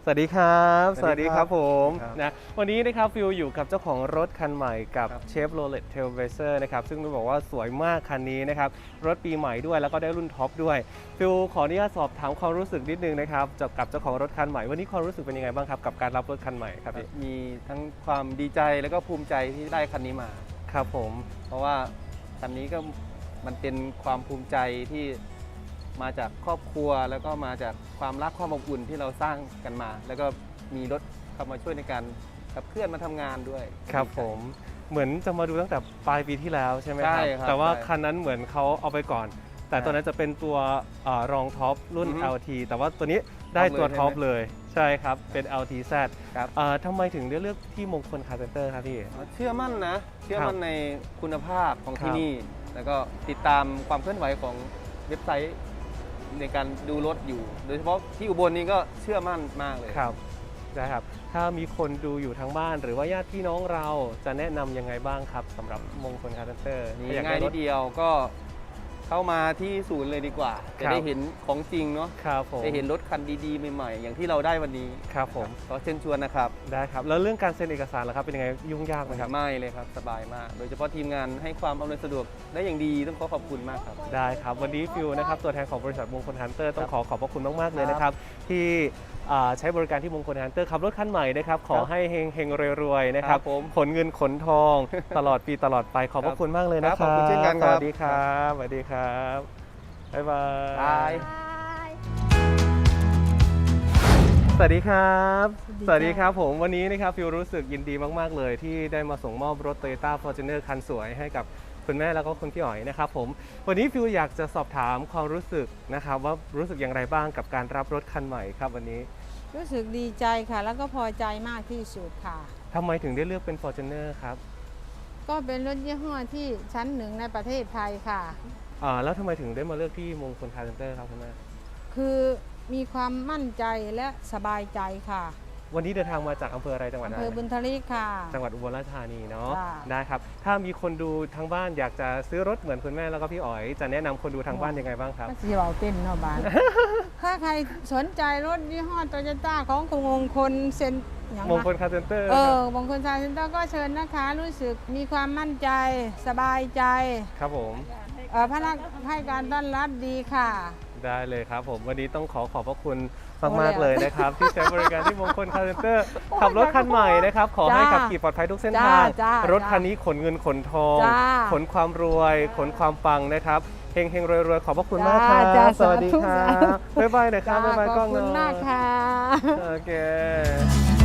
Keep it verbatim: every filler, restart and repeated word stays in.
สวัสดีครับสสวัวัสสดีดีคครัรับบ ผมครับนะวันนี้นะครับฟิลอยู่กับเจ้าของรถคันใหม่กับครับเชฟโรเลตเทลเวเซอร์นะครับซึ่งต้องบอกว่าสวยมากคันนี้นะครับรถปีใหม่ด้วยแล้วก็ได้รุ่นท็อปด้วยฟิลขออนุญาตสอบถามความรู้สึกนิดนึงนะครับจากกับเจ้าของรถคันใหม่วันนี้ความรู้สึกเป็นยังไงบ้างครับกับการรับรถคันใหม่ครับพี่มีทั้งความดีใจแล้วก็ภูมิใจที่ได้คันนี้มาครับผมเพราะว่าคันนี้ก็มันเป็นความภูมิใจที่มาจากครอบครัวแล้วก็มาจากความรักความอบอุ่นที่เราสร้างกันมา แล้วก็มีรถเข้ามาช่วยในการขับเคลื่อนมาทำงานด้วยครับผมเหมือนจะมาดูตั้งแต่ปลายปีที่แล้วใช่ไหมคใช่รับครับแต่ว่าใช่คันนั้นเหมือนเขาเอาไปก่อน แต่ตัวนั้นจะเป็นตัวเอ่อรองท็อปรุ่นอือฮึแอล ที แต่ว่าตัวนี้ได้ตัวท็ท็ออปปเลเลย ยใช่ครับเป็น แอล ที แซดครับเอ่อทำไมถึงได้เลือกที่มงคลคาร์เซนเตอร์ครับพี่เชื่อมั่นนะ เชื่อมั่นในคุณภาพของครัที่บนี่ แล้วก็ติดตามความเคลื่อนไหวของเว็บไซต์ในการดูรถอยู่ โดยเฉพาะที่อุบลนี้ก็เชื่อมั่นมากเลยครับได้ครับ ถ้ามีคนดูอยู่ทางบ้าน หรือว่าญาติพี่น้องเราจะแนะนำยังไงบ้างครับสำหรับมงคลคาร์เซนเตอร์นี่ง่ายนิดเดียวก็เข้ามาที่ศูนย์เลยดีกว่า จะได้เห็นของจริงเนาะครับผมได้เห็นรถคันดีๆใหม่ๆ อย่างที่เราได้วันนี้ครับผมก็เชิญชวนนะครับได้ครับแล้วเรื่องการเซ็นเอกสารล่ะครับเป็นยังไงยุ่งยากไหมครับไม่เลยครับสบายมาก โดยเฉพาะทีมงานให้ความอำนวยสะดวกได้อย่างดีต้องขอขอบคุณมากครับได้ครับ วันนี้ฟิวนะครับตัวแทนของบริษัทมงคลฮันเตอร์ต้องขอขอบพระคุณมาก ๆ เลยครับนะครับ ที่อ่าใช้บริการที่มงคลฮันเตอร์ขับรถคันใหม่นะครับ ขอให้เฮงเฮงรวยๆนะครับครับผมขนเงินขนทอง ตลอดปีตลอดไปขอบพระคุณมากเลยนะคครัรับบขอบคุณเช่นกันสครับวัสดีครับสวัสดีครับบ๊ายบายบายสวัสดีครับ สสวัวัสสดีดีคค่ะรับผมวันนี้นะครับฟิวรู้สึกยินดีมาก ๆ เลยที่ได้มาส่งมอบรถ Toyota Fortuner คันสวยให้กับคุณแม่แล้วก็คุณพี่อ๋อยนะครับผมวันนี้ฟิวอยากจะสอบถามความรู้สึกนะครับว่ารู้สึกอย่างไรบ้างกับการรับรถคันใหม่ครับวันนี้รู้สึกดีใจค่ะ แล้วก็พอใจมากที่สุดค่ะทำไมถึงได้เลือกเป็น Fortuner ครับก็เป็นรถยี่ห้อที่ชั้นหนึ่งในประเทศไทยค่ะอ่าแล้วทำไมถึงได้มาเลือกที่มงคลคาร์เซนเตอร์ครับคุณแม่คือมีความมั่นใจและสบายใจค่ะวันนี้เดินทางมาจากอำเภออะไรจังหวัดอำอะไรเภอบุญทลิกค่ะจังหวัดอุบลราชธานีเนาะจ้าได้ครับถ้ามีคนดูทางบ้านอยากจะซื้อรถเหมือนคุณแม่แล้วก็พี่อ๋อยจะแนะนำคนดูทางบ้านยังไงบ้างครับก็สีเบาเต้นเนาะบ้าน ถ้าใครสนใจรถยี่ห้อโตโยต้าของคุณมงคลเซนอย่างมงคลนะคาร์เซนเตอร์เออมงคลซาเซ็นเตอร์ก็เชิญนะคะ รู้สึกมีความมั่นใจสบายใจครับผมเอ่อพนักให้การต้อนรับดีค่ะได้เลยครับผมวันนี้ต้องขอขอบพระคุณมากโอ้มากแล้วเลยนะครับ ที่ใช้บริการที่มงคลคาร์เซนเตอร์ขับรถคันใหม่นะครับขอให้จ้าขับขี่ปลอดภัยทุกเส้นจ้าทางจ้ารถคันนี้ขนเงินขนทองจ้าขนความรวย ขนความปังนะครับเฮงเฮงรวยรวยขอบพระคุณมากคจ้ารับจ้าสวัสดีคสาธุรับสาธุบ๊ายบายหนะครับบ๊ายบายกล้องขอบคุณหน่มาอยกค่ะโอเค